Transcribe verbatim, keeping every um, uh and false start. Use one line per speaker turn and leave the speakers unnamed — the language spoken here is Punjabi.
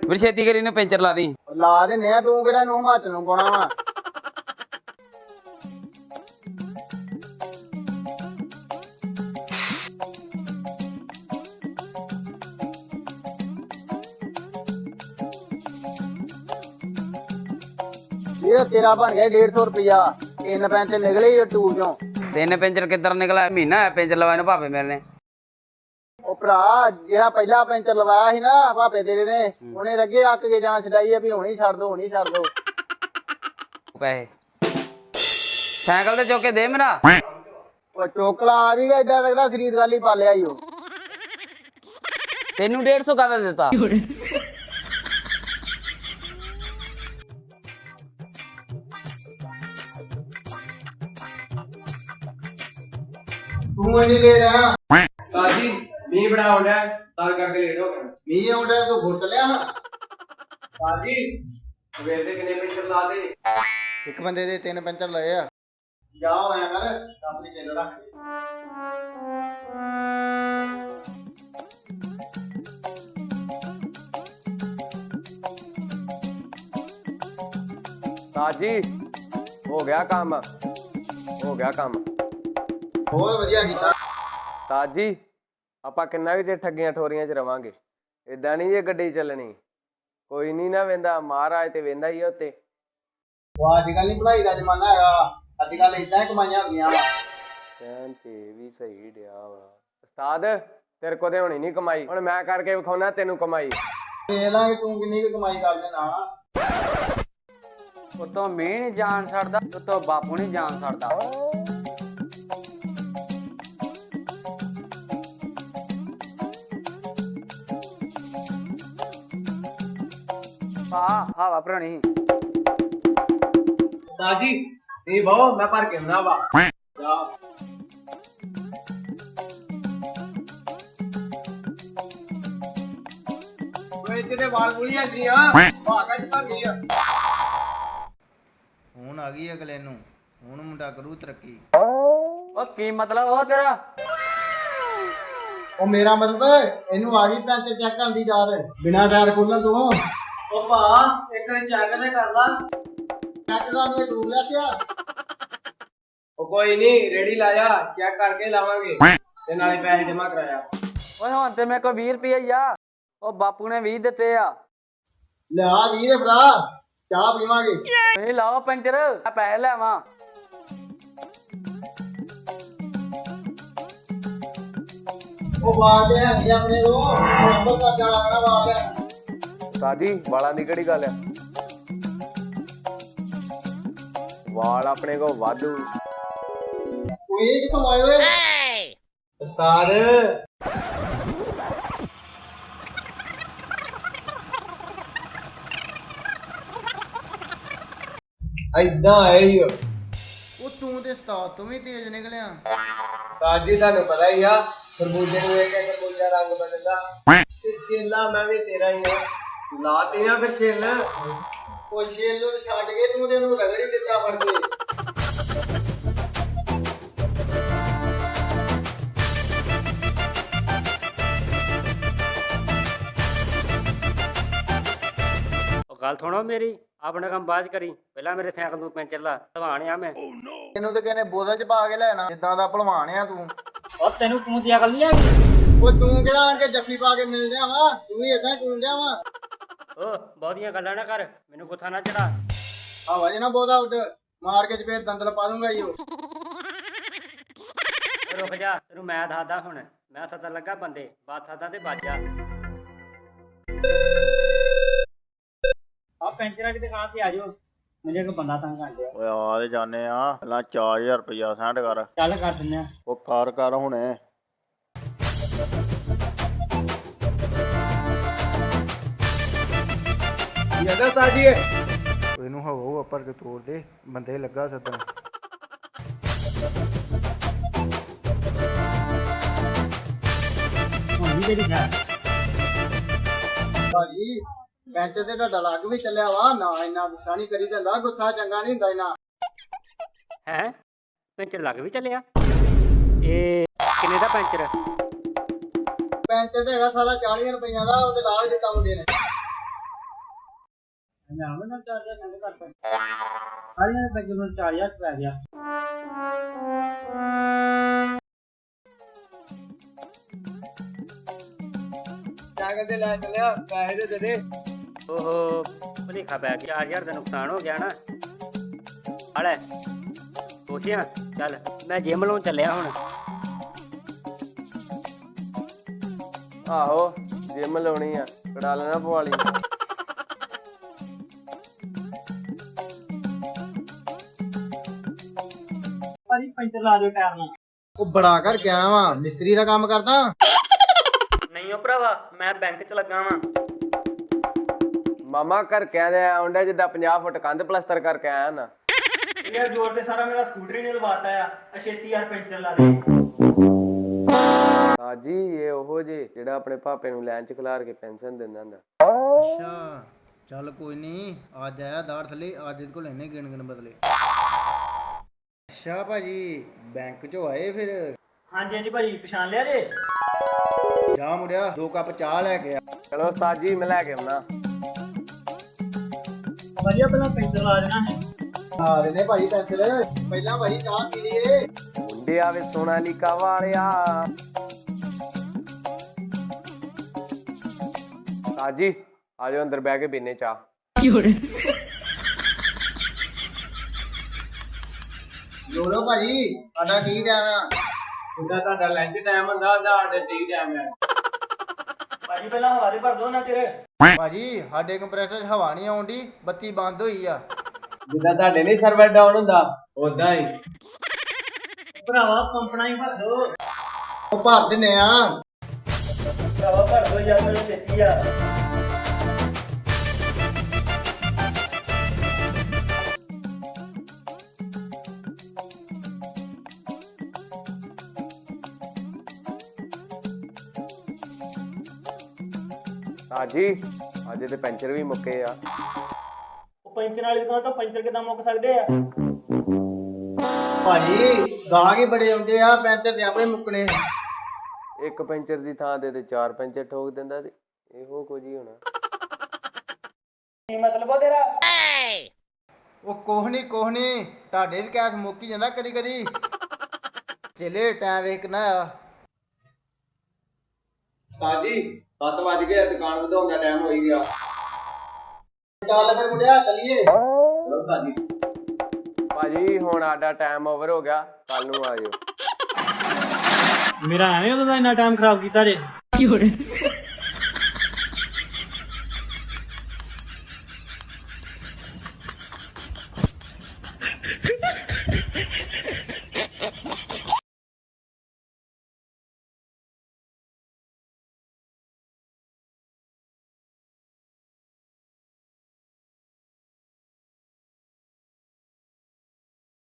ਫਿਰ ਛੇਤੀ ਕਰੀ ਨੇ ਪੈਂਚਰ ਲਾ ਦੀ।
ਲਾ ਦਿੰਨੇ ਆ, ਤੂੰ ਕਿਹੜਾ ਨੂੰ ਹੱਥ ਨੂੰ ਪਾਉਣਾ ਵਾ। ਇਹ ਤੇਰਾ ਬਣ ਗਿਆ ਡੇਢ ਸੌ ਰੁਪਇਆ। ਤਿੰਨ ਪੈਂਚਰ ਨਿਕਲੇ ਹੀ ਟੂਰ ਚੋਂ।
ਤਿੰਨ ਪੈਂਚਰ ਕਿੱਧਰ ਨਿਕਲਿਆ? ਮਹੀਨਾ ਹੋਇਆ ਪੈਂਚਰ ਲਵਾਏ ਨੂੰ ਭਾਪੇ ਮੇਰੇ ਨੇ।
ਉਹ ਭਰਾ ਜਿਹੜਾ ਪਹਿਲਾ ਪੈਂਚਰ ਲਵਾਇਆ ਸੀ ਨਾ ਭਾਪੇ ਤੇਰੇ ਨੇ, ਉਹਨੇ ਲੱਗੇ ਅੱਕ ਕੇ ਜਾਨ ਛਡਾਈ ਆ ਵੀ ਹੁਣੀ ਛੱਡ ਦੋ ਹੁਣੀ ਛੱਡ ਦੋ
ਪੈਸੇ ਸਾਈਕਲ ਤੇ ਚੁੱਕ ਕੇ ਦੇ ਮੇਰਾ।
ਉਹ ਚੋਕਲਾ ਆ ਵੀ ਗਿਆ, ਏਡਾ ਲੱਗਦਾ ਸਰੀਰ ਗਾਲੀ ਪਾਲਿਆ ਈ ਉਹ।
ਤੈਨੂੰ ਡੇਢ ਸੌ ਕਾਹਦਾ ਦਿੱਤਾ?
ਤੂੰ ਇੰਨੀ ਲੈ ਰਿਹਾ
ਸਾਜੀ ਮੀਂਹ ਬੜਾ ਆਉਂਦਾ ਤਾਂ ਕਰਕੇ ਲੇਟ ਹੋ ਗਿਆ।
ਮੀਂਹ ਆਉਂਦਾ ਤੂੰ ਘੁੱਟ ਲਿਆ।
ਸਾਜੀ ਸਵੇਰ ਦੇ ਕਿੰਨੇ ਪੈਂਚਰ ਲਾ ਦੇ?
ਇੱਕ ਬੰਦੇ ਦੇ ਤਿੰਨ ਪੈਂਚਰ ਲਏ ਆ। ਜਾ ਆਇਆ ਕਰ ਆਪਣੀ ਚੇਲ ਰੱਖ ਦੇ।
ਸਾਜੀ ਹੋ ਗਿਆ ਕੰਮ, ਹੋ ਗਿਆ ਕੰਮ।
ਬਹੁਤ ਵਧੀਆ ਕੀਤਾ
ਸਾਜੀ ਆਪਾਂ ਕਿੰਨਾ ਕੁ ਚਿਰ ਠੱਗੀਆਂ ਠੋਰੀਆਂ ਚ ਰਵਾਂਗੇ? ਏਦਾਂ ਨਹੀਂ ਜੇ ਗੱਡੀ ਚੱਲਣੀ। ਕੋਈ ਨਹੀਂ ਨਾ ਵੇਂਦਾ, ਮਹਾਰਾਜ ਤੇ ਵੇਂਦਾ ਹੀ ਆ ਉੱਤੇ।
ਉਹ ਅੱਜ ਕੱਲ ਨਹੀਂ ਪੜਾਈ ਦਾ ਜ਼ਮਾਨਾ ਹੈਗਾ, ਅੱਜ ਕੱਲ ਏਦਾਂ ਹੀ ਕਮਾਈਆਂ ਹੁੰਦੀਆਂ ਵਾ।
ਕਹਿਣ ਤੇ ਵੀ ਸਹੀ ਡਿਆ ਵਾ ਉਸਤਾਦ, ਤੇਰੇ ਕੋ ਤੇ ਹੋਣੀ ਨਹੀਂ ਕਮਾਈ, ਹੁਣ ਮੈਂ ਕਰਕੇ ਵਿਖਾਉਣਾ ਤੈਨੂੰ ਕਮਾਈ।
ਵੇਖ ਲਾਂਗੇ ਤੂੰ ਕਿੰਨੀ ਕੁ ਕਮਾਈ ਕਰਦੇ ਨਾ।
ਉਤੋਂ ਮੀਂਹ ਨੀ ਜਾਨ ਛੱਡਦਾ, ਉਤੋਂ ਬਾਪੂ ਨੀ ਜਾਨ ਛੱਡਦਾ। ਆ ਹਵਾ ਭਰਾਣੀ
ਸਾਜੀ ਨਹੀਂ ਬਹੁ ਮੈਂ ਭਰ ਕੇ ਆਉਣਾ ਵਾ।
ਜਾ
ਓਏ ਤੇਰੇ ਵਾਲ ਗੁਲੀਆਂ ਸੀ ਆ ਭਾਗਾ ਚ ਭਰ ਗਈ ਆ।
ਹੁਣ ਆ ਗਈ ਅਗਲੇ ਨੂੰ, ਹੁਣ ਮੁੰਡਾ ਕਰੂ ਤਰੱਕੀ।
ਉਹ ਕੀ ਮਤਲਬ ਉਹ ਤੇਰਾ?
ਉਹ ਮੇਰਾ ਮਤਲਬ ਇਹਨੂੰ ਆ ਗਈ ਪੈਂਚਰ ਚੈੱਕ ਕਰਨ ਦੀ ਯਾਦ ਬਿਨਾਂ ਟਾਇਰ ਖੋਲਣ ਤੋਂ।
ਉਹ ਭਾ ਇੱਕ ਵਾਰ ਚੈੱਕ ਤੇ ਕਰ ਲਾ।
ਚੈੱਕ ਕਰਨ ਨੂੰ ਟੂਰ ਲਿਆ ਸਿਆ।
ਉਹ ਕੋਈ ਨਹੀਂ ਰੇੜੀ ਲਾਇਆ, ਚੈੱਕ ਕਰਕੇ ਲਾਵਾਂਗੇ ਤੇ ਨਾਲੇ ਪੈਸੇ ਜਮਾ ਕਰਾਇਆ।
ਓਏ ਹੁਣ ਤੇ ਮੇਰੇ ਕੋਲ ਵੀਹ ਰੁਪਏ ਹੀ ਆ। ਉਹ ਬਾਪੂ ਨੇ ਵੀਹ ਦਿੱਤੇ ਆ।
ਲਿਆ ਵੀਹ ਦੇ ਭਰਾ, ਚਾਹ ਪੀਵਾਂਗੇ।
ਤੁਸੀਂ ਲਾਓ ਪੈਂਚਰ, ਆ ਪੈਸੇ ਲੈਵਾਂ।
ਉਹ ਬਾਲ ਦੇ ਹੈਗੇ ਆਪਣੇ ਕੋਲ, ਨੰਬਰ ਕਰਦਾ ਲੱਗਣਾ ਬਾਲ ਹੈ।
ਸਾਜੀ ਵਾਲਾਂ ਦੀ ਕਿਹੜੀ ਗੱਲ ਆ? ਵਾਲ ਆਪਣੇ ਕੋਲ ਵਾਧੂ।
ਉਹ ਇਹ ਕਿੱਥੋਂ ਆਏ ਓਏ?
ਉਸਤਾਦ ਏਦਾਂ ਆਏ ਹੀ।
ਉਹ ਤੂੰ ਤੇ ਉਸਤਾਦ ਤੂੰ ਵੀ ਤੇਜ਼ ਨਿਕਲਿਆ।
ਸਾਜੀ ਤੁਹਾਨੂੰ ਪਤਾ ਹੀ ਆ, ਖਰਬੂਜੇ ਨੂੰ ਵੇਖ ਕੇ ਖਰਬੂਜਾ ਰੰਗ ਬਦਲਦਾ। ਤੇ ਚੇਲਾ ਮੈਂ ਵੀ ਤੇਰਾ ਹੀ ਆ, ਲਾਤੀ ਨਾ ਫਿਰ ਛਿੱਲ।
ਉਹ ਛੇਲ ਨੂੰ ਛੱਡ ਕੇ ਤੂੰ ਤੇ ਉਹਨੂੰ ਰਗੜੀ ਦਿੱਤਾ ਫੜ ਕੇ।
ਉਹ ਗੱਲ ਸੁਣੋ ਮੇਰੀ, ਆਪਣਾ ਕੰਮ ਬਾਅਦ 'ਚ ਕਰੀ, ਪਹਿਲਾਂ ਮੇਰੇ ਸਾਈਕਲ ਨੂੰ ਪੈਂਚਰ ਲਾ। ਧਵਾਣ ਆ ਮੈਂ।
ਤੈਨੂੰ ਤੇ ਕਹਿੰਦੇ ਬੋਤਲ ਚ ਪਾ ਕੇ ਲੈਣਾ, ਜਿੱਦਾਂ ਦਾ ਭਲਵਾਨ ਆ ਤੂੰ।
ਉਹ ਤੈਨੂੰ ਤੂੰ ਦੀ ਅਕਲ ਨਹੀਂ ਹੈਗੀ।
ਉਹ ਤੂੰ ਕਿਹੜਾ ਆਣ ਕੇ ਜੱਫੀ ਪਾ ਕੇ ਮਿਲ ਰਿਹਾ ਵਾ? ਤੂੰ ਵੀ ਏਦਾਂ ਟੂਣ ਰਿਹਾ ਵਾ।
ਓ ਬਹੁਤੀਆਂ ਗੱਲਾਂ ਨਾ ਕਰ, ਮੈਨੂੰ ਗੁੱਸਾ ਨਾ ਚੜਾ।
ਹਵਾ ਜੇ ਨਾ ਬਹੁਤਾ ਉੱਡ, ਮਾਰ ਕੇ ਚਪੇੜ ਦੰਦਲ ਪਾ ਦੂੰਗਾ ਈ ਉਹ।
ਰੁਕ ਜਾ, ਤੈਨੂੰ ਮੈਂ ਦੱਸਦਾ ਹੁਣ। ਮੈਂ ਸੱਦਣ ਲੱਗਾ ਬੰਦੇ, ਬਾਤ ਸੱਦਾ ਤੇ ਬਾਜਾ। ਆ ਪੈਂਚਰਾਂ ਦੀ ਦੁਕਾਨ ਤੇ ਆ ਜਾਓ, ਮੈਨੂੰ ਇੱਕ ਬੰਦਾ ਤੰਗ ਕਰ ਲਿਆ।
ਓਏ ਆ ਤੇ ਜਾਣੇ ਆ, ਪਹਿਲਾਂ ਚਾਰ ਹਜ਼ਾਰ ਰੁਪਇਆ ਸੈਂਡ ਕਰ।
ਚੱਲ ਕਰ ਦਿੰਦੇ ਆ।
ਉਹ ਕਰ ਕਰ ਹੁਣੇ।
ਜਿਆਦਾ ਸਾਜੀ
ਇਹਨੂੰ ਹਵਾ ਉੱਪਰ ਕੇ ਤੋੜ ਦੇ, ਬੰਦੇ ਲੱਗਾ ਸੱਦਣ।
ਹੁਣ ਵੀ ਤੇਰੀ ਖੈਰ।
ਭਾਜੀ ਪੈਂਚਰ ਤੇ ਤੁਹਾਡਾ ਲੱਗ ਵੀ ਚੱਲਿਆ ਵਾ ਨਾ, ਇੰਨਾ ਗੁੱਸਾ ਨਹੀਂ ਕਰੀ ਦਿੰਦਾ। ਗੁੱਸਾ ਚੰਗਾ ਨਹੀਂ ਹੁੰਦਾ ਇੰਨਾ।
ਹੈ ਪੈਂਚਰ ਲੱਗ ਵੀ ਚੱਲਿਆ। ਇਹ ਕਿੰਨੇ ਦਾ ਪੈਂਚਰ?
ਪੈਂਚਰ ਤੇ ਹੈਗਾ ਸਾਰਾ ਚਾਲੀ ਰੁਪਈਆ ਦਾ, ਉਹਦੇ ਲਾ ਹੀ ਦਿੱਤਾ ਮੁੰਡੇ ਨੇ।
ਮੈਂ ਆਵਾਂ ਨਾ ਚਾਰ ਹਜ਼ਾਰ ਸੰਗ ਕਰਤਾ ਸਾਰੀਆਂ ਦੇ ਪੈਂਚਰ ਨੂੰ ਚਾਰ ਹਜ਼ਾਰ ਪੈ ਗਿਆ
ਸਾਈਕਲ ਤੇ ਲੈ ਚੱਲਿਆ ਪੈਸੇ ਦੇ ਦੇ ਦੇ
ਓਹੋ ਭਲੇਖਾ ਪੈ ਗਿਆ ਚਾਰ ਹਜ਼ਾਰ ਦਾ ਨੁਕਸਾਨ ਹੋ ਗਿਆ ਨਾ ਹਲੇ ਸੋਚਿਆ ਚੱਲ ਮੈਂ ਜਿਮ ਲਾਉਣ ਚੱਲਿਆ ਹੁਣ
ਆਹੋ ਜਿਮ ਲਾਉਣੀ ਆ ਕੜਾ ਲੈਣਾ ਪਵਾਲੀ
ਭਾਜੀ ਪੈਂਚਰ ਲਾ ਦਿਓ ਟਾਇਰ ਨੂੰ
ਉਹ ਬੜਾ ਕਰ ਗਿਆ ਵਾ ਮਿਸਤਰੀ ਦਾ ਕੰਮ ਕਰਦਾ
ਨਹੀਂ ਉਹ ਭਰਾਵਾ ਮੈਂ ਬੈਂਕ 'ਚ ਲੱਗਾ ਵਾਂ
ਮਾਮਾ ਘਰ ਕਹਿੰਦੇ ਆਉਂਦਾ ਜਿੱਦਾਂ ਪੰਜਾਹ ਫੁੱਟ ਕੰਧ ਪਲਸਤਰ ਕਰਕੇ ਆਇਆ ਨਾ
ਯਾਰ ਜੋਰ ਤੇ ਸਾਰਾ ਮੇਰਾ ਸਕੂਟਰ ਨੇ ਲਵਾਤਾ ਆ ਅਛੇਤੀ ਯਾਰ ਪੈਂਚਰ ਲਾ ਦੇ
ਹਾਜੀ ਇਹ ਉਹੋ ਜੇ ਜਿਹੜਾ ਆਪਣੇ ਭਾਪੇ ਨੂੰ ਲੈਣ ਚ ਖਿਲਾਰ ਕੇ ਪੈਨਸ਼ਨ ਦਿੰਦਾ ਹੁੰਦਾ
ਅੱਛਾ ਚੱਲ ਕੋਈ ਨਹੀਂ ਅੱਜ ਆਇਆ ਦਾੜ ਥੱਲੇ ਅੱਜ ਇਹਦੇ ਕੋਲ ਇੰਨੇ ਗਿਣ ਗਿਣ ਬਦਲੇ ਅੱਛਾ ਭਾਜੀ ਬੈਂਕ ਚੋਂ ਆਏ ਫਿਰ
ਹਾਂਜੀ ਹਾਂਜੀ ਭਾਜੀ ਪਛਾਣ ਲਿਆ ਜੇ
ਜਾ ਮੁੜਿਆ ਦੋ ਕੱਪ ਚਾਹ ਲੈ ਕੇ ਆ
ਚਲੋ ਉਸਤਾਦ ਜੀ ਮੈਂ ਲੈ ਕੇ ਆਉਣਾ
ਵਧੀਆ ਪਹਿਲਾਂ ਪੈਂਚਰ ਲਾ ਦੇਣਾ ਹੈ
ਆ ਰਹੇ ਨੇ ਭਾਈ ਪੈਂਚਰ ਪਹਿਲਾਂ ਭਾਈ ਚਾਹ ਪੀ ਲਈਏ
ਮੁੰਡੇ ਆਵੇ ਸੋਨਾਲੀਕਾ ਵਾਲਿਆ ਸਾਜੀ ਆਜੋ ਅੰਦਰ ਬਹਿ ਕੇ ਪੀਨੇ ਚਾਹ
ਲੋੜੋ ਭਾਜੀ ਸਾਡਾ ਕੀ ਟਾਈਮ ਆ
ਜਿੱਦਾਂ ਤੁਹਾਡਾ ਲੰਚ ਟਾਈਮ ਹੁੰਦਾ ਉਹਦਾ ਸਾਡੇ ਟੀ ਟਾਈਮ ਹੈ
ਭਾਜੀ ਪਹਿਲਾਂ ਹਵਾ ਦੇ ਭਰ ਦੋ ਨਾ ਚਿਰ
ਭਾਜੀ ਸਾਡੇ ਕੰਪਰੈਸਰ 'ਚ ਹਵਾ ਨਹੀਂ ਆਉਂਦੀ ਬੱਤੀ ਬੰਦ ਹੋਈ ਆ
ਜਿੱਦਾਂ ਤੁਹਾਡੇ ਨਹੀਂ ਸਰਵਰ ਡਾਊਨ ਹੁੰਦਾ ਉਦਾਂ ਹੀ
ਭਰਾਵਾ ਪੰਪਣਾ ਹੀ ਭਰ ਦੋ
ਉਹ ਭਰ ਦਿੰਨੇ ਆ
ਭਰਾਵਾ ਭਰ ਦੋ ਯਾਰ ਮੈਨੂੰ ਛੇਤੀ ਆ
ਸਾਜੀ ਅੱਜ ਤੇ ਪੈਂਚਰ ਵੀ ਮੁੱਕੇ ਆ
ਉਹ ਪੈਂਚਰ ਵਾਲੀ ਦੁਕਾਨ ਤੋਂ ਪੈਂਚਰ ਕਿਦਾਂ ਮੁੱਕ ਸਕਦੇ ਆ
ਭਾਜੀ ਗਾਹਕ ਹੀ ਬੜੇ ਆਉਂਦੇ ਆ ਪੈਂਚਰ ਦੇ ਆਪਣੇ ਮੁੱਕਣੇ
ਇੱਕ ਪੈਂਚਰ ਦੀ ਥਾਂ ਤੇ ਤੇ ਚਾਰ ਪੈਂਚਰ ਠੋਕ ਦਿੰਦਾ ਤੇ ਇਹੋ ਕੁਝ ਹੀ ਹੋਣਾ
ਕੀ ਮਤਲਬ ਉਹ ਤੇਰਾ
ਉਹ ਕੋਹ ਨਹੀਂ ਕੋਹ ਨਹੀਂ ਤੁਹਾਡੇ ਵੀ ਕੈਸ਼ ਮੁੱਕ ਹੀ ਜਾਂਦਾ ਕਦੀ ਕਦੀ ਚਲੇ ਟਾਈਮ ਵੇਖ ਕਿੰਨਾ ਆ
ਸਾਜੀ ਸੱਤ ਵੱਜ ਗਏ ਦੁਕਾਨ ਵਧਾਉਣ ਦਾ ਟਾਈਮ ਹੋਈ ਗਿਆ
ਚੱਲ ਫਿਰ ਮੁੰਡਿਆ ਚੱਲੀਏ
ਚਲੋ ਸਾਜੀ ਭਾਜੀ ਹੁਣ ਸਾਡਾ ਟਾਈਮ ਓਵਰ ਹੋ ਗਿਆ ਕੱਲ ਨੂੰ ਆਇਓ
ਮੇਰਾ ਐਵੇਂ ਉਦੋਂ ਦਾ ਇੰਨਾ ਟਾਈਮ ਖਰਾਬ ਕੀਤਾ ਜੇ